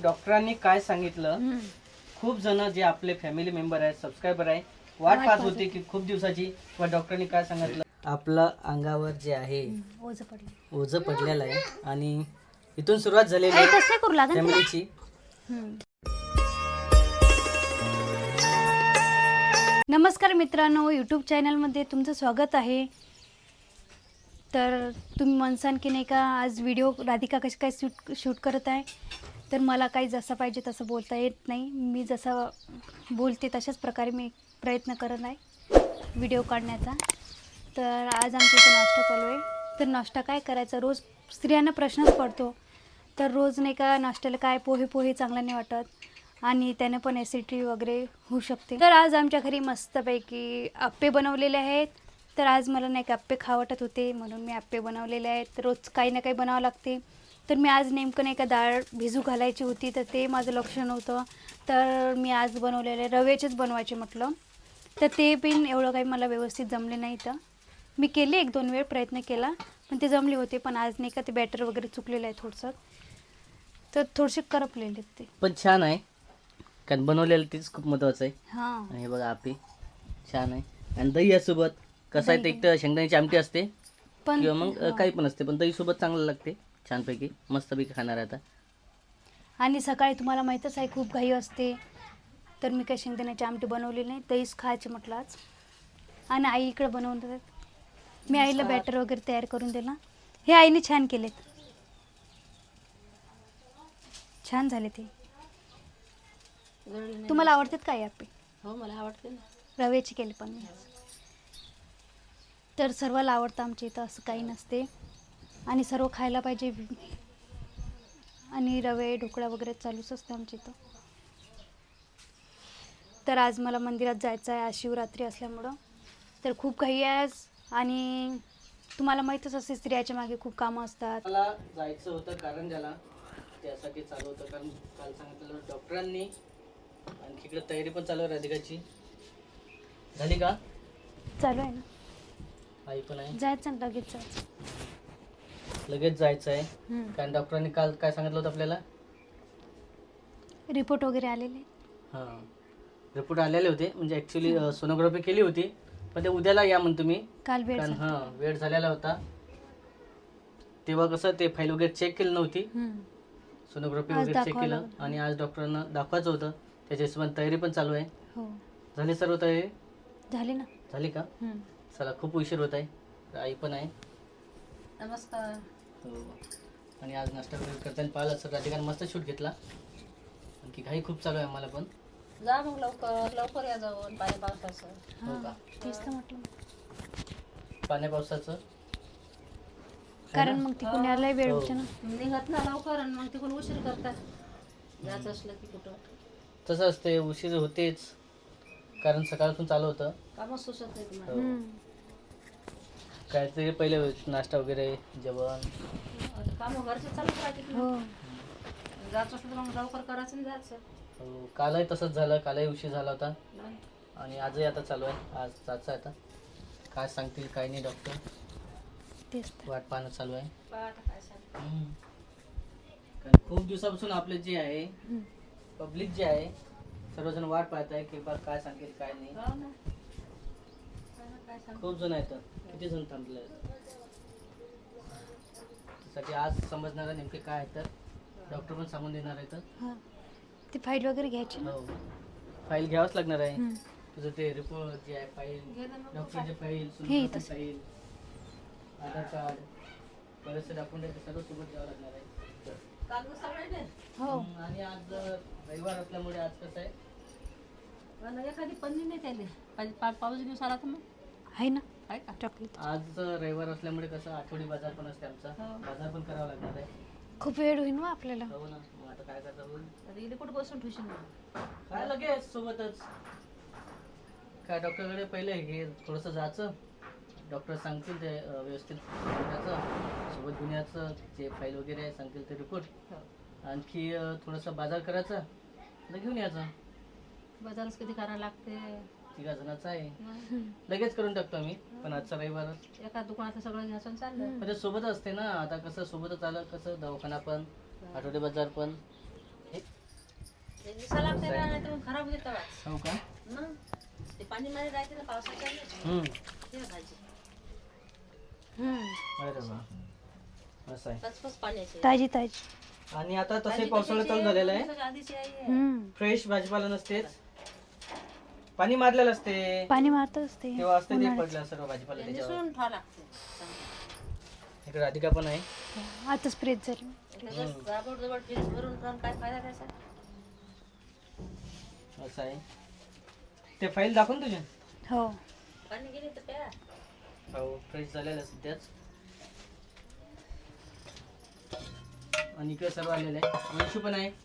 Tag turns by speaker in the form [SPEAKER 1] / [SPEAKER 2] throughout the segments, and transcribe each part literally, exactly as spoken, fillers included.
[SPEAKER 1] डॉक्टरांनी काय सांगितलं, खूप जण जे आपले फॅमिली मेंबर आहेत, सबस्क्रायबर आहे, वाट पाहत होते की खूप दिवसाची व डॉक्टरांनी काय सांगितलं. आपलं अंगावर जे आहे
[SPEAKER 2] ओझं पडलं
[SPEAKER 1] ओझं पडलेलं आहे आणि इथून सुरुवात झालेली आहे
[SPEAKER 2] कसं करू लागेल
[SPEAKER 1] फॅमिलीची.
[SPEAKER 2] नमस्कार मित्रांनो, यूट्यूब चॅनलमध्ये तुमचं स्वागत आहे. तर तुम्ही म्हणसान की नाही का आज व्हिडिओ राधिका कशी काय शूट शूट करत आहे. तर मला काही जसं पाहिजे तसं बोलता येत नाही. मी जसं बोलते तशाच प्रकारे मी प्रयत्न करत आहे व्हिडिओ काढण्याचा. तर आज आमच्या इथं नाश्ता चालू आहे. तर नाश्ता काय करायचा, रोज स्त्रियांना प्रश्नच पडतो. तर रोज नाही का नाश्त्याला काय पोहे पोहे चांगला नाही वाटत आणि त्याने पण ॲसिडिटी वगैरे होऊ शकते. तर आज आमच्या घरी मस्तपैकी आप्पे बनवलेले आहेत. तर आज मला नाही का आप्पे खावं वाटत होते म्हणून मी आप्पे बनवलेले आहेत. रोज काही ना काही बनावं लागते. तर मी आज नेमकं नाही का डाळ भिजू घालायची होती तर ते माझं लक्ष नव्हतं. तर मी आज बनवलेले रव्याचेच बनवायचे म्हटलं. तर ते पण एवढं काही मला व्यवस्थित जमले नाही. तर मी केले एक दोन वेळ प्रयत्न केला पण ते जमले होते. पण आज नाही का ते बॅटर वगैरे चुकलेलं आहे थोडंसं. तर थोडेसे करपलेले ते
[SPEAKER 1] पण छान आहे कारण बनवलेलं तेच खूप महत्वाचं आहे.
[SPEAKER 2] हां
[SPEAKER 1] आणि हे बघा आपे छान आहे आणि दही यासोबत कसं आहे, ते एक तर शेंगदाण्याची आमटी असते
[SPEAKER 2] पण
[SPEAKER 1] किंवा मग काही पण असते, पण दही सोबत चांगलं लागते छानपैकी मस्तपैकी खाणार आहे आता.
[SPEAKER 2] आणि सकाळी तुम्हाला माहीतच आहे खूप घाई असते. तर मी काही शेंगदाण्याची आमटी बनवली नाही, दहीच खायचे म्हटलं आज. आणि आई इकडे बनवून देतात. मी आईला बॅटर वगैरे तयार करून दिला. हे आईने छान केलेत, छान झाले ते. तुम्हाला आवडतात काय आप्पे?
[SPEAKER 3] हो, मला आवडते ना.
[SPEAKER 2] रव्याचे केले पण मी. तर सर्वाला आवडतं आमच्या इथं, असं काही नसते आणि सर्व खायला पाहिजे. आणि रवे ढोकळा वगैरे चालूच असतं आमच्या इथं. तर आज मला मंदिरात जायचं आहे, आज शिवरात्री असल्यामुळं. तर खूप घाई आहे आज. आणि तुम्हाला माहीतच असते स्त्रियाच्या मागे खूप कामं असतात.
[SPEAKER 1] मला जायचं होतं कारण ज्याला त्यासाठी चालू होतं, कारण काल सांगितलं डॉक्टरांनी. आणि इकडे तयारी पण चालू आहे राधिकाची. झाली का?
[SPEAKER 2] चालू आहे ना,
[SPEAKER 1] आई पण आहे.
[SPEAKER 2] जायचं ना, लगेच जायचं.
[SPEAKER 1] लगेच जायचं आहे कारण डॉक्टरांनी काल काय सांगितलं होतं आपल्याला.
[SPEAKER 2] रिपोर्ट वगैरे आलेले.
[SPEAKER 1] हां, रिपोर्ट आलेले होते. म्हणजे ॲक्च्युली सोनोग्राफी केली होती पण ते उद्याला या म्हणतो मी,
[SPEAKER 2] काल वेळ
[SPEAKER 1] कारण
[SPEAKER 2] झाला.
[SPEAKER 1] हां वेळ झालेला होता. तेव्हा कसं ते फाईल वगैरे चेक केली नव्हती, सोनोग्राफी
[SPEAKER 2] आज
[SPEAKER 1] वगैरे चेक
[SPEAKER 2] दाखवावं
[SPEAKER 1] केलं
[SPEAKER 2] लागलं.
[SPEAKER 1] आणि आज डॉक्टरांना दाखवायचं होतं. त्याच्या हिशोबाने तयारी पण चालू आहे.
[SPEAKER 2] हो
[SPEAKER 1] झाली सर्व तयारी?
[SPEAKER 2] झाले ना.
[SPEAKER 1] झाली का?
[SPEAKER 2] हम्म.
[SPEAKER 1] चला, खूप उशीर होत आहे. तर आई पण आहे.
[SPEAKER 3] नमस्कार.
[SPEAKER 1] हो. आणि आज नाश्ता वगैरे करताना पाहिलं सर राधिकाने मस्त शूट घेतला. आणखी घाई खूप चालू आहे आम्हाला पण.
[SPEAKER 3] जा मग लवकर लवकर या जाऊन पाणी पावसाचं.
[SPEAKER 1] हो का?
[SPEAKER 2] तेच तर म्हटलं.
[SPEAKER 1] पाण्या पावसाचं
[SPEAKER 2] कारण मग ती पुण्याला वेळ
[SPEAKER 1] हो.
[SPEAKER 2] होते ना.
[SPEAKER 3] निघत ना लवकर आणि मग तिकडून उशीर करतात. जायचं असलं की कुठं
[SPEAKER 1] तसं असते, उशीर होतेच कारण सकाळपासून चालू होतं.
[SPEAKER 3] कामच सुचत नाही तुम्हाला.
[SPEAKER 1] हो.
[SPEAKER 2] हम्म.
[SPEAKER 1] काहीतरी पहिले नाश्ता वगैरे जेवण.
[SPEAKER 3] आता कामं घरचे चालूच राहतात
[SPEAKER 2] हो
[SPEAKER 3] ना. जायचं असलं तर मग लवकर करायचं आणि जायचं.
[SPEAKER 1] हो, कालही तसंच झालं. कालही उशीर झाला होता
[SPEAKER 3] नाही.
[SPEAKER 1] आणि आजही आता चालू आहे. आज जायचं आहे आता. काय सांगतील काय नाही डॉक्टर,
[SPEAKER 2] तेच तर.
[SPEAKER 1] वाट पाहणं चालू आहे.
[SPEAKER 3] पहा आता काय सांग.
[SPEAKER 1] हम्म. कारण खूप दिवसापासून आपले जे आहे
[SPEAKER 2] हम्म.
[SPEAKER 1] पब्लिक जे आहे सर्वजण वाट पाहत आहे की बा काय सांगतील काय नाही.
[SPEAKER 3] हो ना. काय ना काय सांग.
[SPEAKER 1] खूप जण आहेत, किती जण थांबले आहेत. त्यासाठी आज समजणार आहे नेमके काय आहे. तर डॉक्टर पण सांगून देणार आहे. तर
[SPEAKER 2] हा, ती फाईल वगैरे घ्यायची ना.
[SPEAKER 1] हो, फाईल घ्यावंच लागणार आहे.
[SPEAKER 2] हम्म.
[SPEAKER 1] तुझं ते रिपोर्ट जे आहे, फाईल,
[SPEAKER 3] घे ना मग.
[SPEAKER 1] डॉक्टरचे फाईल,
[SPEAKER 2] हे
[SPEAKER 1] सोनोग्राफी
[SPEAKER 2] इथंच.
[SPEAKER 1] फाईल, आधार कार्ड, बरेचसे डॉक्युमेंट सर्व सोबत द्यावं लागणार आहे.
[SPEAKER 3] कागद सगळे दे.
[SPEAKER 2] हो
[SPEAKER 1] हम्म, आणि आज रविवार असल्यामुळे आज कसं आहे,
[SPEAKER 3] मला एखादी पन्नी नाही त्याले. पाच- पा- पाऊस दिवस आला तर मग
[SPEAKER 2] आहे ना
[SPEAKER 3] आहे का?
[SPEAKER 2] चॉकलेट.
[SPEAKER 1] आज रविवार असल्यामुळे कसं आठवडी बाजार पण असते आमचा.
[SPEAKER 3] हो.
[SPEAKER 1] बाजार पण करावा लागणार आहे.
[SPEAKER 2] खूप वेळ होईल ना आपल्याला.
[SPEAKER 1] हो ना, मग आता काय करता बोल.
[SPEAKER 3] आता इथे कुठं बसून ठेवशील मग?
[SPEAKER 1] काय लगेच सोबतच काय डॉक्टरकडे पहिले हे थोडंसं जायचं. डॉक्टर सांगतील ते अं, व्यवस्थित करायचं. सोबत गुन्ह्याचं जे फाईल वगैरे आहे सांगतील ते रिपोर्ट.
[SPEAKER 3] हो.
[SPEAKER 1] आणखी अं, थोडंसं बाजार करायचा, तर घेऊन यायचं.
[SPEAKER 3] बाजारच किती करायला लागते.
[SPEAKER 1] तिघा जणांचा आहे,
[SPEAKER 3] मग
[SPEAKER 1] लगेच करून टाकतो आम्ही. पण आजचा रविवार
[SPEAKER 3] एका दुकानात सगळं घ्यायचं आणि चाललं.
[SPEAKER 1] म्हणजे सोबत असते ना. आता कसं सोबतच आलं, कसं दवाखाना पण आठवडे बाजार पण. हे
[SPEAKER 3] कसा लागते ना नाही तर मग खराब होते तवाच
[SPEAKER 1] हो का?
[SPEAKER 3] मग ते पाणी मध्ये राहते ना पावसाच्या वेळेस.
[SPEAKER 1] हम्म.
[SPEAKER 3] ते भाजी
[SPEAKER 2] हम्म.
[SPEAKER 1] अरे वा, असं आहे.
[SPEAKER 3] पचपच पाण्याची
[SPEAKER 2] ताजी ताजी.
[SPEAKER 1] आणि आता तसे
[SPEAKER 3] भाजी
[SPEAKER 1] पावसाळा
[SPEAKER 3] कशाची
[SPEAKER 1] चालू
[SPEAKER 3] आहे?
[SPEAKER 1] झालेला आहे.
[SPEAKER 3] दिवसाच्या आधीची आई आहे.
[SPEAKER 2] हम्म.
[SPEAKER 1] फ्रेश भाजीपाला नसतेच, पाणी मारलेलं असते,
[SPEAKER 2] पाणी मारतच ते
[SPEAKER 1] तेव्हा असते ते
[SPEAKER 2] उन्हाळ्यात.
[SPEAKER 1] पडलं सर्व भाजीपाला
[SPEAKER 3] ते
[SPEAKER 1] त्याच्यावर.
[SPEAKER 3] निसून ठेवावं लागते चांगलं.
[SPEAKER 1] इकडे राधिका पण आहे.
[SPEAKER 2] आता स्प्रेच झाली.
[SPEAKER 3] त्याच्यात जाबड जबड फ्रीज भरून ठेवून काय फायदा त्याचा?
[SPEAKER 1] असं आहे. ते फाईल दाखवून तुझे
[SPEAKER 2] हो.
[SPEAKER 3] पाणी गेली तर प्या.
[SPEAKER 1] हो, फ्रेश झालेलं असते त्याच. आणि इकडे सर्व आलेलं आहे. वंशू पण आहे.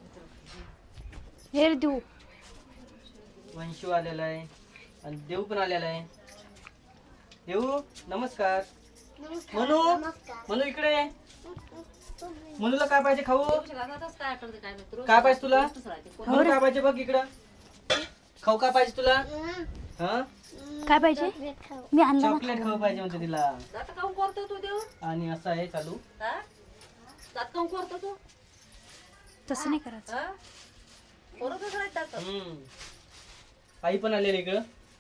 [SPEAKER 2] हेर देऊ.
[SPEAKER 1] वंशू आलेला आहे आणि देव पण आलेला आहे. देऊ नमस्कार. मनू मनू इकडे आहे. मनूला काय पाहिजे खाऊ?
[SPEAKER 3] दिवसाच्या रानातच काय करते काय माहित. रोज
[SPEAKER 1] काय पाहिजे तुला?
[SPEAKER 3] रोजच राहते. कोण-
[SPEAKER 1] मनू काय पाहिजे बघ इकडं. खाऊ काय पाहिजे तुला? हा,
[SPEAKER 2] काय पाहिजे? मी आणलं ना.
[SPEAKER 1] चॉकलेट खाऊ पाहिजे म्हणते तिला.
[SPEAKER 3] दात काऊन करतो तू देव?
[SPEAKER 1] आणि असं आहे चालू.
[SPEAKER 3] हा? दात काऊन करतो तू?
[SPEAKER 2] तसं नाही करायचं.
[SPEAKER 3] हा? पोरं कसं राहतात दात?
[SPEAKER 1] हम्म. आई पण आलेली इकडं.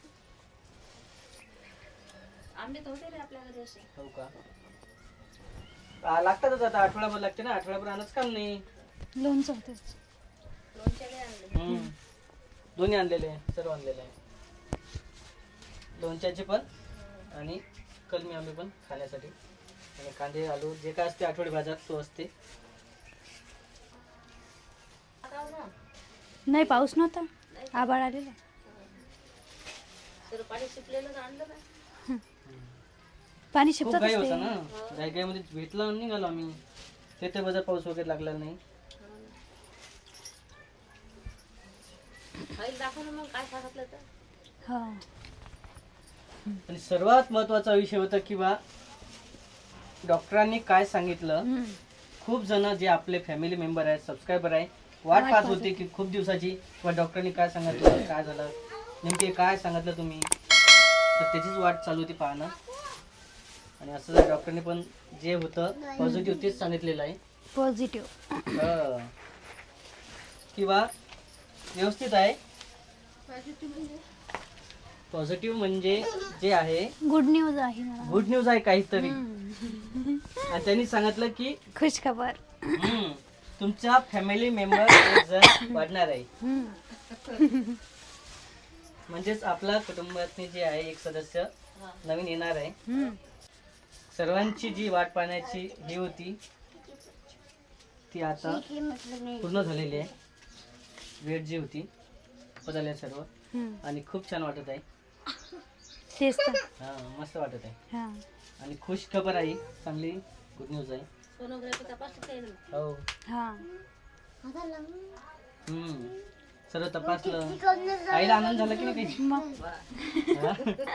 [SPEAKER 3] आंबे तर होते रे आपल्या घरी असे.
[SPEAKER 1] हो का? आ, लागतातच आता, आठवड्याभर लागते ना, आठवड्याभर आणच काम नाही.
[SPEAKER 2] लोणचं होतंच.
[SPEAKER 3] लोणच्याले आणले.
[SPEAKER 1] हम्म. दोन्ही आणलेले आहे, सर्व आणलेले आहे. लोणच्याचे पण आणि कलमी आंबे पण खाण्यासाठी. आणि कांदे आलू जे काय असते आठवडी बाजार तो असते.
[SPEAKER 3] आता हो ना.
[SPEAKER 2] नाही पाऊस नव्हता. आबाळ आलेला.
[SPEAKER 3] तर पाणी शिपलेलं आणलं ना.
[SPEAKER 2] पाणी
[SPEAKER 1] खूप
[SPEAKER 2] शिपतच
[SPEAKER 1] घाई होता
[SPEAKER 2] असते.
[SPEAKER 1] ना, घाई घाईमध्ये भेटला आणि निघालो आम्ही. ते ते बाजार पाऊस वगैरे लागला नाही.
[SPEAKER 3] फाईल दाखव ना मग काय सांगितलं तर.
[SPEAKER 2] हा.
[SPEAKER 1] आणि सर्वात महत्वाचा विषय होता की बा डॉक्टरांनी काय सांगितलं.
[SPEAKER 2] हम्म.
[SPEAKER 1] खूप जण जे आपले फॅमिली मेंबर आहेत, सबस्क्रायबर आहे, वाट पाहत होते की खूप दिवसाची किंवा डॉक्टरांनी काय सांगितलं, काय झालं, नेमके काय सांगितलं तुम्ही, तर त्याचीच वाट चालू होती पाहणं. आणि असं जर डॉक्टरने पण जे होतं पॉझिटिव्ह तेच सांगितलेलं आहे.
[SPEAKER 2] पॉझिटिव्ह.
[SPEAKER 1] हं. किंवा व्यवस्थित आहे. पॉझिटिव्ह म्हणजे जे आहे
[SPEAKER 2] गुड न्यूज आहे मला.
[SPEAKER 1] गुड न्यूज आहे काहीतरी.
[SPEAKER 2] हम्म.
[SPEAKER 1] आणि त्यांनी सांगितलं की
[SPEAKER 2] खुश खबर.
[SPEAKER 1] हम्म, तुमचा फॅमिली मेंबर एक जण वाढणार आहे.
[SPEAKER 2] हम्म.
[SPEAKER 1] म्हणजेच आपला कुटुंबातले जे आहे एक सदस्य नवीन येणार आहे.
[SPEAKER 2] हम्म.
[SPEAKER 1] सर्वांची जी वाट पाहण्याची ही होती ती आता पूर्ण झालेली आहे. वेळ जी होती बदलल्या सर्व.
[SPEAKER 2] हम्म.
[SPEAKER 1] आणि खूप छान वाटत आहे.
[SPEAKER 2] तेच तर.
[SPEAKER 1] हा, मस्त वाटत आहे.
[SPEAKER 2] हा.
[SPEAKER 1] आणि खुश खबर आहे, चांगली गुड न्यूज आहे.
[SPEAKER 3] सोनोग्राफी तपासली काही नाही.
[SPEAKER 1] हो.
[SPEAKER 2] हा.
[SPEAKER 1] हम्म, सर्व तपासलं. आईला आनंद झाला की नाही काही?
[SPEAKER 2] मग
[SPEAKER 1] हा?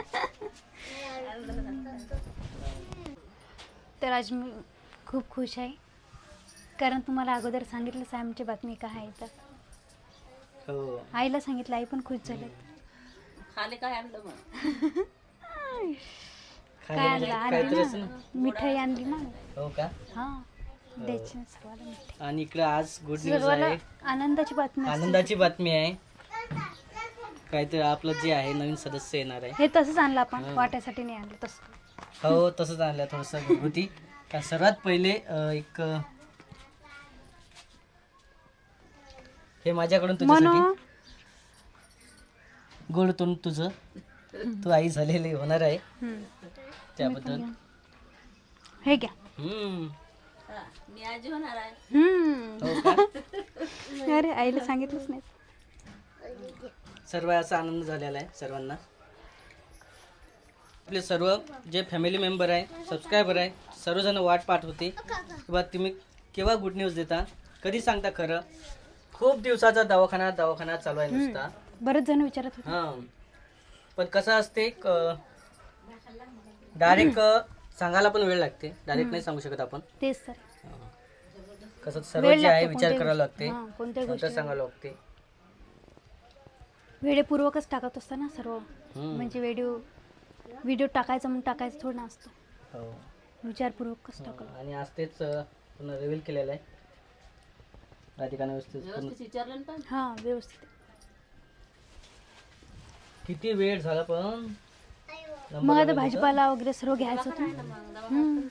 [SPEAKER 2] तर आज मी खूप खुश आहे कारण तुम्हाला अगोदर सांगितलंच आहे आमची बातमी काय आहे तर.
[SPEAKER 1] हो.
[SPEAKER 2] आईला सांगितलं, आई पण खुश झाले.
[SPEAKER 3] खाले काय आणलं मग?
[SPEAKER 2] काय
[SPEAKER 1] खाली
[SPEAKER 2] आणलं? आणली
[SPEAKER 1] काहीतरी असं
[SPEAKER 2] ना
[SPEAKER 1] ना.
[SPEAKER 2] मिठाई आणली ना.
[SPEAKER 1] हो का?
[SPEAKER 2] हा. द्यायची ना सर्वाला मिठाई.
[SPEAKER 1] आणि इकडे आज गुड न्यूज
[SPEAKER 2] सर्वाला
[SPEAKER 1] आहे,
[SPEAKER 2] आनंदाची बातमी असते.
[SPEAKER 1] आनंदाची बातमी आहे. काहीतरी आपलं जे आहे नवीन सदस्य येणार आहे.
[SPEAKER 2] हे तसंच आणलं आपण,
[SPEAKER 1] हा.
[SPEAKER 2] वाट्यासाठी नाही आणलं तसं.
[SPEAKER 1] हो, तसंच आणलं थोडस घरगुती. का सर्वात पहिले अं, एक अं, हे माझ्याकडून
[SPEAKER 2] म्हणून
[SPEAKER 1] तुझ्यासाठी गोड तोंड तुझं, तू आई झालेली होणार आहे
[SPEAKER 2] हम्म.
[SPEAKER 1] त्याबद्दल.
[SPEAKER 2] हे घ्या.
[SPEAKER 1] हम्म.
[SPEAKER 3] हा, मी आजी होणार आहे.
[SPEAKER 2] हम्म.
[SPEAKER 1] हो का?
[SPEAKER 2] अरे आईला सांगितलंच नाही.
[SPEAKER 1] सर्व असा आनंद झालेला आहे सर्वांना. आपले सर्व जे फॅमिली मेंबर आहे, सबस्क्रायबर आहे, सर्वजण वाट पाहत होते किंवा तुम्ही केव्हा गुड न्यूज देता, कधी सांगता खरं. खूप दिवसाचा दवाखाना दवाखाना चालू आहे नुसता.
[SPEAKER 2] बरेच जण विचारत होते.
[SPEAKER 1] हां, पण कसं असते डायरेक्ट सांगायला पण वेळ लागते, डायरेक्ट नाही सांगू शकत आपण.
[SPEAKER 2] तेच तर.
[SPEAKER 1] कसं सर्व
[SPEAKER 2] वेळ
[SPEAKER 1] जे आहे
[SPEAKER 2] लागतो
[SPEAKER 1] विचार
[SPEAKER 2] कोणत्याही
[SPEAKER 1] करावा लागते,
[SPEAKER 2] गोष्टी- हां, कोणत्याही
[SPEAKER 1] नंतर
[SPEAKER 2] गोष्टी
[SPEAKER 1] सांगायला लागते.
[SPEAKER 2] वेळेपूर्वकच टाकत असतं ना सर्व.
[SPEAKER 1] हम्म.
[SPEAKER 2] म्हणजे व्हिडिओ व्हिडिओ टाकायचं म्हणून टाकायचं थोडं ना असतं.
[SPEAKER 1] हो.
[SPEAKER 2] विचारपूर्वकच टाकलं.
[SPEAKER 1] आणि आज तेच अं, पुन्हा रिव्हील केलेलं आहे. राधिकाने व्यवस्थित पूर्ण-
[SPEAKER 3] व्यवस्थित विचारलं ना पण
[SPEAKER 2] हां व्यवस्थित.
[SPEAKER 1] किती वेळ झाला पण
[SPEAKER 2] मग आता भाजीपाला वगैरे सर्व घ्यायचं होतं. हम्म.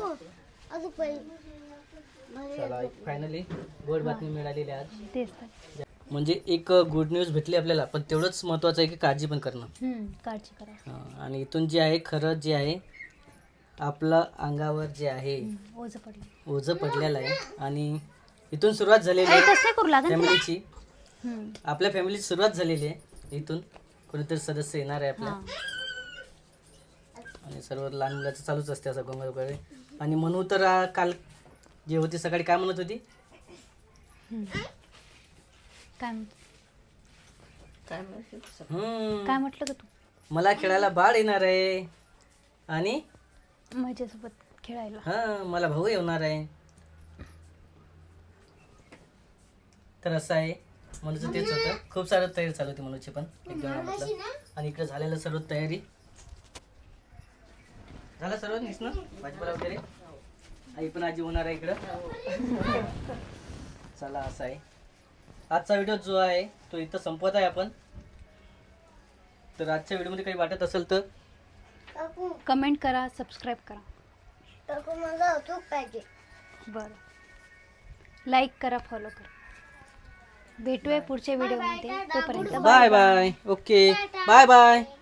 [SPEAKER 1] चला फायनली गोड बातमी मिळालेली आज.
[SPEAKER 2] तेच तर.
[SPEAKER 1] म्हणजे एक गुड न्यूज भेटली आपल्याला, पण तेवढंच महत्वाचं आहे की काळजी पण करणं.
[SPEAKER 2] हम्म, काळजी करा.
[SPEAKER 1] हा, आणि इथून जे आहे खरं जे आहे आपलं अंगावर जे आहे
[SPEAKER 2] हम्म, ओझं पडलं.
[SPEAKER 1] ओझं पडलेलं आहे आणि इथून सुरुवात झालेली
[SPEAKER 2] अरे,
[SPEAKER 1] आहे
[SPEAKER 2] तसं नाही करू लागेल तुला.
[SPEAKER 1] फॅमिलीची.
[SPEAKER 2] हम्म.
[SPEAKER 1] आपल्या फॅमिलीची सुरुवात झालेली आहे. इथून कोणीतरी सदस्य येणार आहे आपल्या
[SPEAKER 2] हां.
[SPEAKER 1] आणि सर्व लहान मुलाचं चालूच असते असं गोंगाट वगैरे. आणि म्हणू तर आ, काल जे होती सकाळी काय म्हणत होती,
[SPEAKER 2] हम्म. काय म्हणतो?
[SPEAKER 3] काय माहिती
[SPEAKER 1] हम्म,
[SPEAKER 2] काय म्हटलं का तू?
[SPEAKER 1] मला खेळायला बाळ येणार आहे आणि
[SPEAKER 2] माझ्यासोबत खेळायला.
[SPEAKER 1] हा मला भाऊ येणार आहे. तर असं आहे मनूचं तेच होतं. खूप सारं तयारी चालू होती मनूची पण एकदम म्हटलं. आणि इकडे झालेलं सर्व तयारी झालं सर्व ना भाजीपाला वगैरे. आई पण आजी होणार आहे इकडं. चला असं आहे आजचा व्हिडिओ जो आहे तो इथं संपवत आहे आपण. तर आजच्या व्हिडिओमध्ये काही वाटत असेल तर
[SPEAKER 2] कमेंट करा, सबस्क्राईब करा. बरं, लाईक करा, फॉलो करा. भेटूया पुढच्या व्हिडिओमध्ये. तोपर्यंत
[SPEAKER 1] bye bye. Okay bye bye.